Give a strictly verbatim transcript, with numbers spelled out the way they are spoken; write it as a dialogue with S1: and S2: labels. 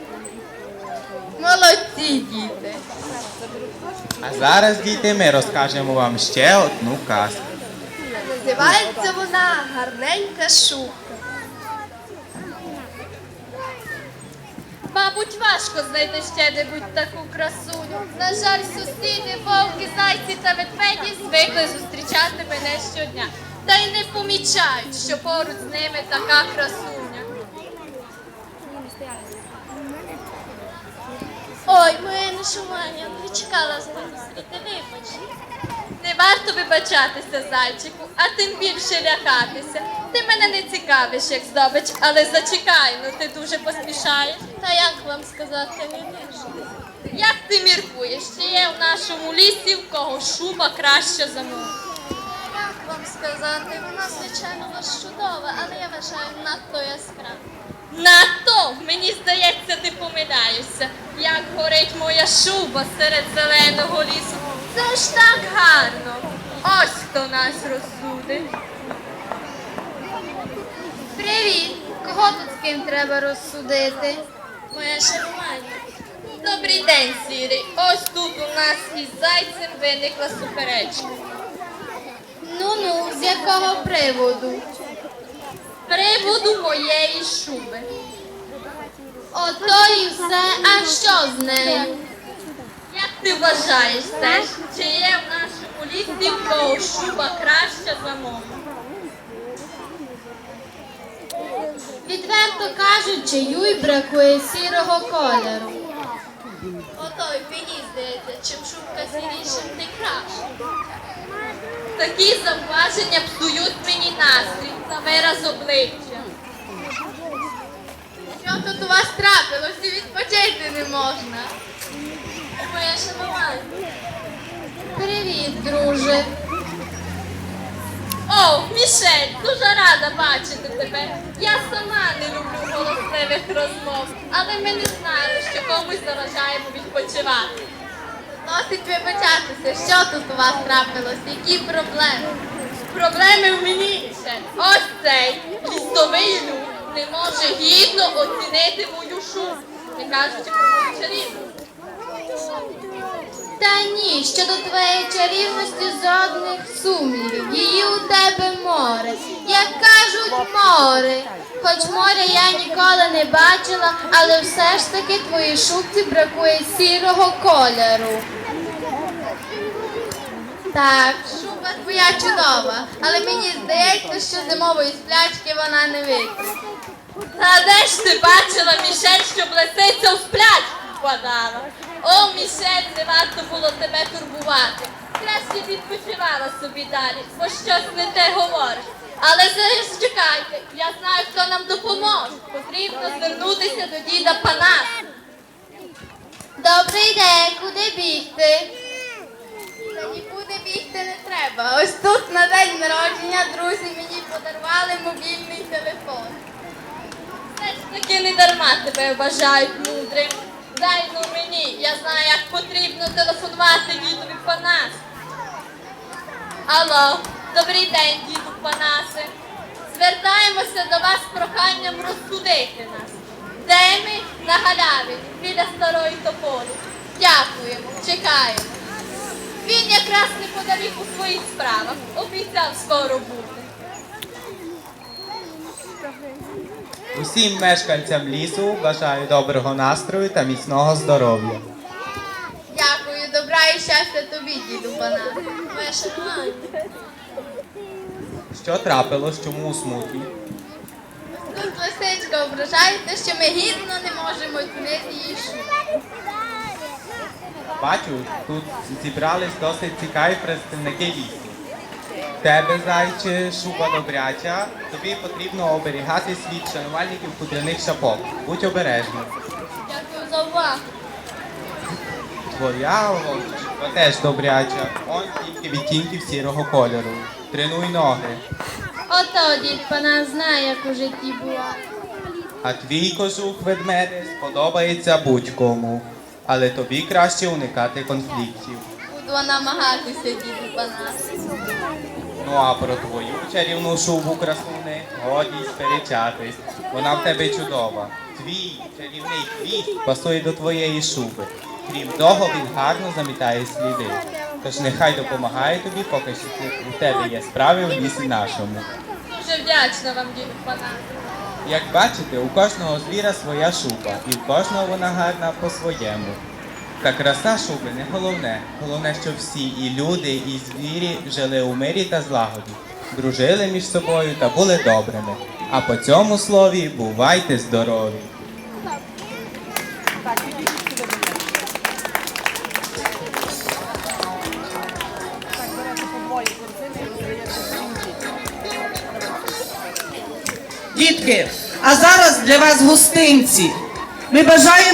S1: Молодці, діти.
S2: А зараз, діти, ми розкажемо вам ще одну казку.
S1: Називається вона «Гарненька шубка».
S3: Мабуть, важко знайти ще небудь таку красуню. На жаль, сусіди, вовки, зайці та ведмеді звикли зустрічати мене щодня. Та й не помічають, що поруч з ними така красуня.
S4: Ой, моя нашумання, не чекала тебе зустріти, вибач.
S3: Не варто вибачатися, зайчику, а тим більше лякатися. Ти мене не цікавиш, як здобич, але зачекай, ну ти дуже поспішаєш.
S4: Та як вам сказати, не дуже.
S3: Як ти міркуєш, чи є в нашому лісі в кого шуба краща за мою?
S4: Як вам сказати, вона, звичайно, у вас чудова, але я вважаю надто яскрава.
S3: Надто, мені здається, ти помиляєшся, як горить моя шуба серед зеленого лісу. Це ж так гарно. Ось хто нас розсудить.
S4: Привіт! Кого тут з ким треба розсудити? Моя шармання.
S3: Добрий день, Сірий. Ось тут у нас із зайцем виникла суперечка.
S4: Ну-ну, з якого приводу?
S3: З приводу моєї шуби.
S4: Ото і все, а що з нею?
S3: Як ти вважаєш, Стеж, чи є в нашому лісі в кого шуба краща за мою?
S4: Відверто кажучи, Юй бракує сірого кольору.
S3: Ото й мені здається, чим шубка сірішим, тим краще. Такі зауваження псують мені настрій та вираз обличчя.
S1: Що тут у вас трапилось і відпочити не можна?
S4: Моя шанування. Привіт, друже.
S3: О, Мішель, дуже рада бачити тебе. Я сама не люблю голосливих розмов, але ми не знаємо, що комусь заважаємо відпочивати.
S1: Досить вибачатися, що тут у вас трапилось, які проблеми?
S3: Проблеми в мені ще. Ось цей лісовий люд не може гідно оцінити мою шубу, не кажучи про мою чарівність.
S4: Та ні, щодо твоєї чарівності жодних сумнівів. Її у тебе море. Як кажуть, море. Хоч моря я ніколи не бачила, але все ж таки твоїй шубці бракує сірого кольору.
S1: Так, шуба твоя чудова, але мені здається, що зимової сплячки вона не вийде.
S3: Та де ж ти бачила, Мішель, щоб лисиця у сплячку впадала? О, Мішель, не варто було тебе турбувати. Краще відпочивала собі далі, бо щось не те говориш. Але зараз чекайте, я знаю, хто нам допоможе. Потрібно звернутися до діда Панаса.
S4: Добрий день, куди бігти?
S1: Та нікуди бігти не треба. Ось тут на день народження друзі мені подарували мобільний телефон.
S3: Все ж таки не дарма тебе вважають мудрим. Дай ну мені, я знаю, як потрібно телефонувати дідові Панасу. Алло, добрий день, діду Панасе. Звертаємося до вас з проханням розсудити нас. Де ми? На галявині, біля старої тополі. Дякуємо, чекаємо. Він якраз неподалік у своїх справах. Обіцяв скоро бути.
S2: Усім мешканцям лісу бажаю доброго настрою та міцного здоров'я.
S1: Дякую, добра і щастя тобі, діду Панас.
S4: Моя шанування.
S2: Що трапилось, чому у смуті?
S1: Тут лисичка ображається, що ми гідно не можемо оцінити її шубу.
S2: Бачу, тут зібрались досить цікаві представники лісу. В тебе, зайче, шуба добряча, тобі потрібно оберігатись від шанувальників хутряних шапок. Будь обережним.
S4: Дякую за увагу.
S2: Твоя шуба теж добряча, он тільки відтінків сірого кольору. Тренуй ноги.
S4: Ото дід Панас знає, як у житті буває.
S2: А твій кожух ведмеде сподобається будь-кому. Але тобі краще уникати конфліктів.
S1: Буду намагатися, діду Панас.
S2: Ну а про твою чарівну шубу, красуне, годі й сперечатись. Вона в тебе чудова. Твій чарівний хвіст пасує до твоєї шуби. Крім того, він гарно замітає сліди. Тож нехай допомагає тобі, поки що у тебе є справи в лісі нашому.
S3: Дуже вдячна вам, діду Панас.
S2: Як бачите, у кожного звіра своя шуба, і в кожного вона гарна по-своєму. Та краса шуби не головне. Головне, щоб всі, і люди, і звірі, жили у мирі та злагоді, дружили між собою та були добрими. А по цьому слові бувайте здорові!
S5: Дітки, а зараз для вас гостинці. Ми бажаємо